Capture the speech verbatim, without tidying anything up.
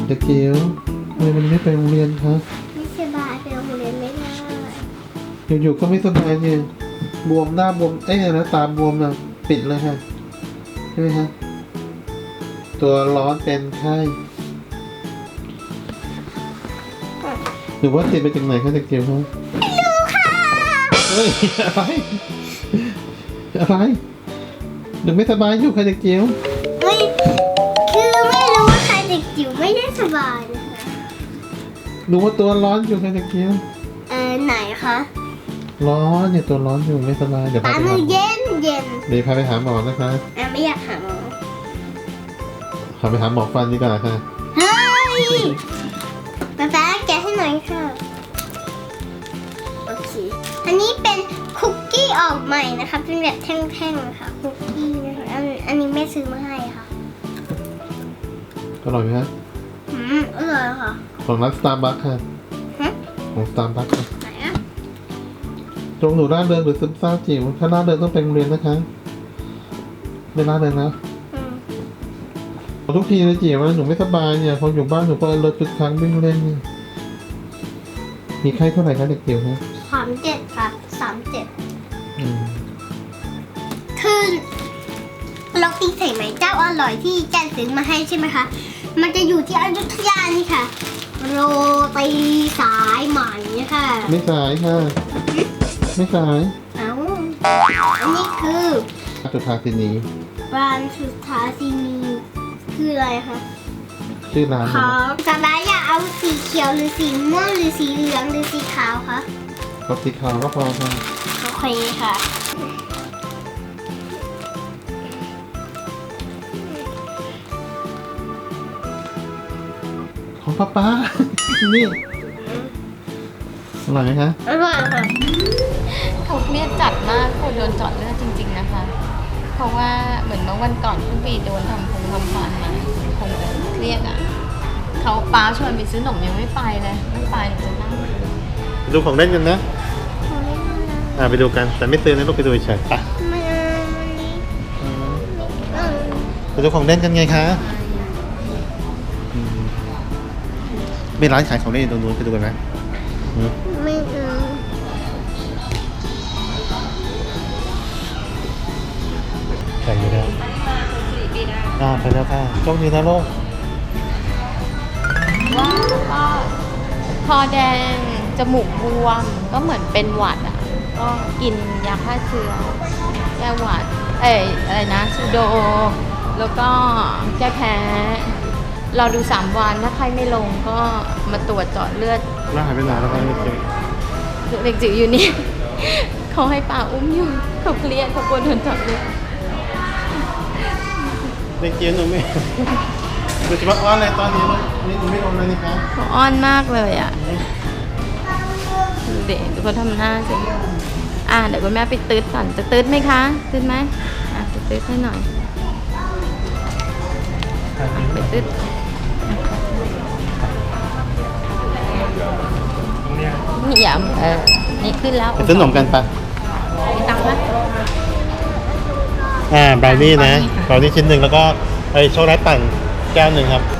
เด็กจิ๋วทำไมมันไม่ไปโรงเรียนคะไม่สบายไปโรงเรียนไม่ได้อยู่ๆก็ไม่สบายเนี่ยบวมหน้าบวมเอ้ยนะตาบวมอ่ะปิดเลยค่ะใช่ไหมคะตัวร้อนเป็นไข้หรือว่าติดไปจากไหนคะเด็กจิ๋วคะไม่รู้ค่ะเฮ้ยอะไรอะไรหนูไม่สบายอยู่ค่ะเด็กจิ๋วไม่คือไม่รู้ว่าใครเด็กจิ๋วไม่ได้สบายนะคะหนูว่าตัวร้อนอยู่ค่ะเด็กจิ๋วเออไหนคะร้อนเนี่ยตัวร้อนอยู่ไม่สบายเดี๋ยวพาตาไปหามือเย็นเย็นเดี๋ยวพาไปหาหมอนะคะอ่ะไม่อยากหาหมอพาไปหาหมอฟันดีกว่าค่ะเฮ้ยป๊าป๊าแกะให้หน่อยค่ะโอเคอันนี้เป็นคุกกี้ออกใหม่นะคะเป็นแบบแท่งๆนะคะคุกกี้นะคะอันอันนี้แม่ซื้อมาให้ค่ะอร่อยไหมฮะอืมอร่อยค่ะของร้านสตาร์บัคค่ะฮะของสตาร์บัคค่ะไหนอ่ะตรงหนูร่าเริงหรือซึมเศร้าจิ๋วถ้าร่าเริงต้องไปโรงเรียนนะคะไม่ร่าเริงนะทุกทีเลยจิ๋วว่าหนูไม่สบายเนี่ยพออยู่บ้านหนูก็เลิกทุกครั้งวิ่งเล่นเนี่ยมีไข้เท่าไหร่คะเด็กจิ๋วคะสามเจ็ดค่ะสามเจ็ดอืมคือโรตีใส่ไหมเจ้าอร่อยที่แกซื้อมาให้ใช่ไหมคะมันจะอยู่ที่อยุธยานี่ค่ะโรตีสายไหมค่ะไม่สายค่ะไม่สายเอ้าอันนี้คือสุธาสินีร้านสุธาสินีคืออะไรคะชื่อร้านขอสบายอยากเอาสีเขียวหรือสีม่วงหรือสีเหลืองหรือสีขาวคะก็สีขาวก็พอค่ะโอเคค่ะของป้าป้านี่อร่อยไหมคะอร่อยค่ะเขาเครียดจัดมากเขาโดนเจาะเลือดจริงๆนะคะเพราะว่าเหมือนเมื่อวันก่อนเพิ่งไปโดนทำพงทำฟันมาคงเครียดอ่ะเขาป้าชวนไปซื้อขนมยังไม่ไปเลยไม่ไปจะนั่งดูของเล่นกันนะอ่าไปดูกันแต่ไม่ซื้อนะลูกไปดูเฉยๆไปไปดูของเล่นกันไงคะมีร้านขายของเล่นตรงนู้นไปดูกันไหมไม่เอาใส่อยู่แล้วอ่าไปแล้วค่ะโชคดีนะลูกว้าวก็คอแดงจมูกบวมก็เหมือนเป็นหวัดอ่ะก็กินยาฆ่าเชื้อแก้หวัดเอ้ยอะไรนะซูโดแล้วก็แก้แพ้เราดูสามวันถ้าใครไม่ลงก็มาตรวจเจาะเลือดแล้วหายไปไหนแล้วคะเด็กจิ๋วอยู่นี่เขาให้ป้าอุ้มอยู่เขาเครียดเขากลัวโดนเจาะเลือดเด็กจิ๋วหนูไม่หนูจะมาอ้อนอะไรตอนนี้นี่หนูไม่โดนเลยนี่คะเขาอ้อนมากเลยอ่ะเด็กเขาทำหน้าสิอ่ะเดี๋ยวคุณแม่ไปตืดก่อนจะตืดไหมคะตืดไหมอ่ะจะตืดให้หน่อยไปตืดนี่อย่าเออนี่ขึ้นแล้วซื้อขนมกันปะมีตังค์ปะอ่าบราวนี่นะบราวนี่ชิ้นหนึ่งแล้วก็ไอช็อกโกแลตปั่นแก้วหนึ่งครับ